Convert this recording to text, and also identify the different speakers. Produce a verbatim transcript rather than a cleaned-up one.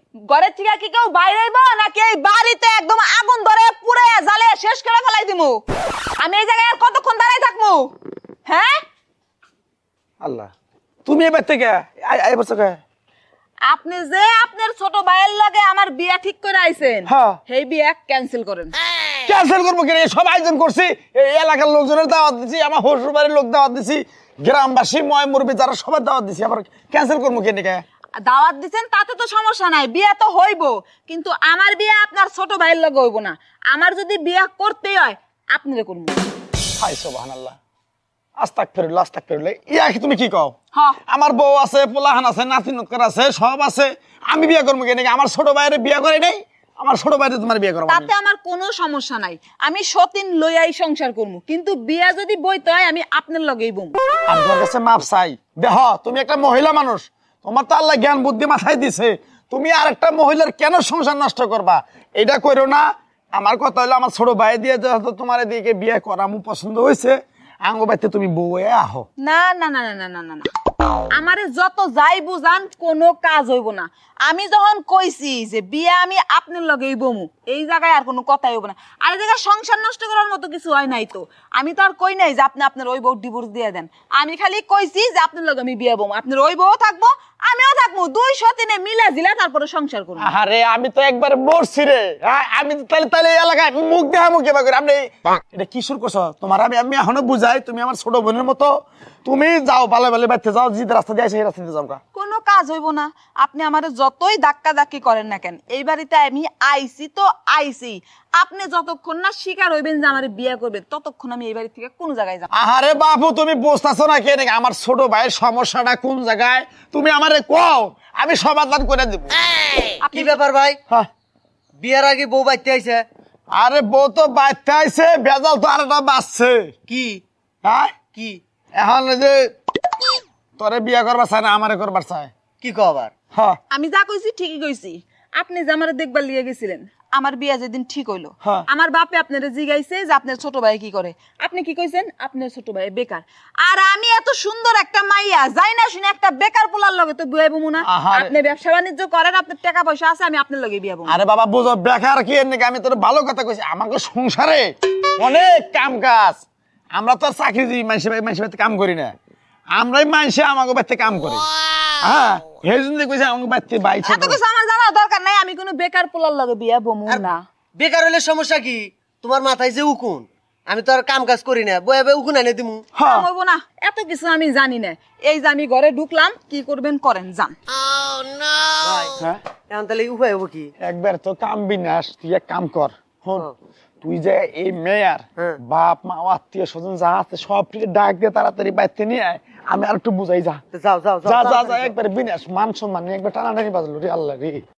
Speaker 1: ঘরের থেকে কি কেউ বাইরে আইবো নাকি এই বাড়িতে একদম আগুন ধরে পুড়ে জ্বালে শেষ করে ফেলাই দিমু? আমি এই জায়গায় আর কতক্ষণ দাঁড়াই থাকবো? হ্যাঁ
Speaker 2: আল্লাহ, তুমি এবার থেকে এবার থেকে
Speaker 1: আপনি যে আপনার ছোট ভাইয়ের লগে আমার বিয়া ঠিক করে আইছেন,
Speaker 2: হ্যাঁ।
Speaker 1: সেই বিয়া ক্যান্সেল করেন।
Speaker 2: ক্যান্সেল করবো কেন? সব আয়োজন করছি, এই এলাকার লোকজনের দাওয়াত দিছি, আমার শ্বশুর বাড়ির লোক দাওয়াত দিছি, গ্রামবাসী ময় মুরব্বী যারা সবার দাওয়াত দিছি, আবার ক্যান্সেল করবো কেন?
Speaker 1: দাওয়াত দিছেন তাতে তো সমস্যা নাই, বিয়া তো হইবো, কিন্তু আমার বিয়া আপনার ছোট ভাইয়ের লগে হইবো না। আমার যদি বিয়া করতেই হয় আপনারে করবো।
Speaker 2: হাই সুবহানাল্লাহ, আস্তাগফিরুল্লাহ আস্তাগফিরুল্লাহ। ইয়া কি তুমি কি কও?
Speaker 1: হ্যাঁ।
Speaker 2: আমার বউ আছে, পোলাহান আছে, নাতি নক্কর আছে, সব আছে, আমি বিয়ে করবো কেন? আমার ছোট ভাইয়ের বিয়ে করে নাই, আমার ছোট ভাইরে তোমার বিয়ে করবো।
Speaker 1: তাতে আমার কোনো সমস্যা নাই, আমি সতীন লইয়াই সংসার করবো, কিন্তু বিয়া যদি বইতে হয় আমি আপনার লগেই বম।
Speaker 2: আমি তোমার কাছে মাপ চাই। দেহ, তুমি একটা মহিলা মানুষ, তোমার তো আল্লাহ জ্ঞান বুদ্ধি মাথায় দিছে, তুমি আর একটা মহিলার কেন সংসার নষ্ট করবা? এটা করো না। আমার কথা হলো, আমার ছোট ভাই দিয়ে যেহেতু তোমার এদিকে বিয়ে করা আমার পছন্দ হয়েছে, আঙ্গ বাইতে তুমি বউ হয়ে আহো।
Speaker 1: না না না না না না না না, আমারে যত যাই বুঝান কোনো কাজ হইব না। আমি যখন কইছি যে বিয়া আমি আপনার লগেই বমু, এই জায়গায় আর কোনো কথাই হইব না। আর এই জায়গায় সংসার নষ্ট করার মতো কিছু হয় নাই তো। আমি তো আর কই নাই যে আপনি আপনার ওই বউ ডিভোর্স দিয়ে দেন। আমি খালি কইছি যে আপনার লগে আমি বিয়া বমু, আপনার ওই বউ থাকবো, আমিও থাকবো, দুইশো তিনে মিলা জিলা তারপরে সংসার করবো।
Speaker 2: আরে আমি তো একবার মরছি রে। হ্যাঁ, আমি তো তাহলে তাহলে এই এলাকায় মুখ দেখা মুখে বা করে আপনি এটা কি শুরু করছো? তোমার আমি আমি এখনো বুঝাই, তুমি আমার ছোট বোনের মতো, তুমি যাও বালে বালে বাড়তে যাও, যে রাস্তা দিয়ে আসে সেই রাস্তা দিয়ে যাও।
Speaker 1: কোনো কাজ হইব না, আপনি আমার যতই ধাক্কা ধাক্কি করেন না কেন, এই বাড়িতে আমি আইছি তো আইছি। আপনি যতক্ষণ না স্বীকার হইবেন যে আমার বিয়ে করবেন, ততক্ষণ আমি এই বাড়ি থেকে কোনো জায়গায় যাব।
Speaker 2: আরে বাবু, তুমি বুঝতেছো না কেন আমার ছোট ভাইয়ের সমস্যাটা কোন জায়গায়? তুমি আমারে কও, আমি সমাধান করে দেব।
Speaker 3: কি ব্যাপার ভাই?
Speaker 2: হ্যাঁ,
Speaker 3: বিয়ের আগে বউ বাইতে আইছে?
Speaker 2: আরে বউ তো বাচ্চা আইছে, বেজাল তো আর একটা বাচ্চে।
Speaker 3: কি
Speaker 2: হ্যাঁ,
Speaker 3: কি
Speaker 2: এখন এই যে তোরে বিয়ে করবার চায় না, আমারে করবার চায়।
Speaker 3: কি কো আবার?
Speaker 2: হ্যাঁ
Speaker 1: আমি যা কইছি ঠিকই কইছি। আপনি যে আমার দেখবার লিয়ে গেছিলেন, আমার বিয়া যেদিন ঠিক হইলো,
Speaker 2: হ্যাঁ।
Speaker 1: আমার বাপে আপনারে জিগাইছে যে আপনার ছোট ভাই কি করে। আপনি কি কইছেন? আপনার ছোট ভাই বেকার। আর আমি এত সুন্দর একটা মাইয়া যাই না শুনে একটা বেকার পোলার লগে তো বিয়ে বমু না।
Speaker 2: আহারে।
Speaker 1: আপনি ব্যবসা বাণিজ্য করেন, আপনার টাকা পয়সা আছে, আমি আপনার লগে বিয়ে বমু।
Speaker 2: আরে বাবা বুঝো, বেকার কি এর নাকি? আমি তোর ভালো কথা কইছি, আমাকে সংসারে অনেক কাম কাজ। আমরা তো আর চাকরিজীবী মানুষের মানুষের বাড়িতে কাম করি না, আমরাই মানুষে আমাকে বাড়িতে কাম করি। হ্যাঁ, এই জন্য কইছি আমাকে বাড়িতে বাইছে।
Speaker 1: এত কিছু আমার জানার দরকার নাই, আমি কোনো বেকার পোলার লগে বিয়ে বমু না।
Speaker 3: বেকার হইলে সমস্যা কি? তোমার মাথায় যে উকুন, আমি তো আর কাম কাজ করি না, বয়ে বয়ে উকুন এনে দিমু।
Speaker 2: হ্যাঁ,
Speaker 1: হইব না, এত কিছু আমি জানি না। এই যে আমি ঘরে ঢুকলাম, কি করবেন করেন, যান।
Speaker 3: ভাই
Speaker 2: হ্যাঁ,
Speaker 3: এখন তাহলে উপায় হবো কি?
Speaker 2: একবার তো কাম বিনাশ, তুই এক কাম কর। হন,
Speaker 3: হ্যাঁ।
Speaker 2: তুই যে এই মেয়ার
Speaker 3: হ্যাঁ।
Speaker 2: বাপ মা আত্মীয় স্বজন যা আছে সব ডাক দিয়ে তাড়াতাড়ি বাড়িতে নিয়ে আয়, আমি আর একটু বুঝাই। যা
Speaker 3: তো যাও যাও
Speaker 2: যা যা
Speaker 3: যাও
Speaker 2: যা, একবার বিনাশ, মান সম্মান নিয়ে একবার টানাটানি বাজলো রে আল্লাহ রে।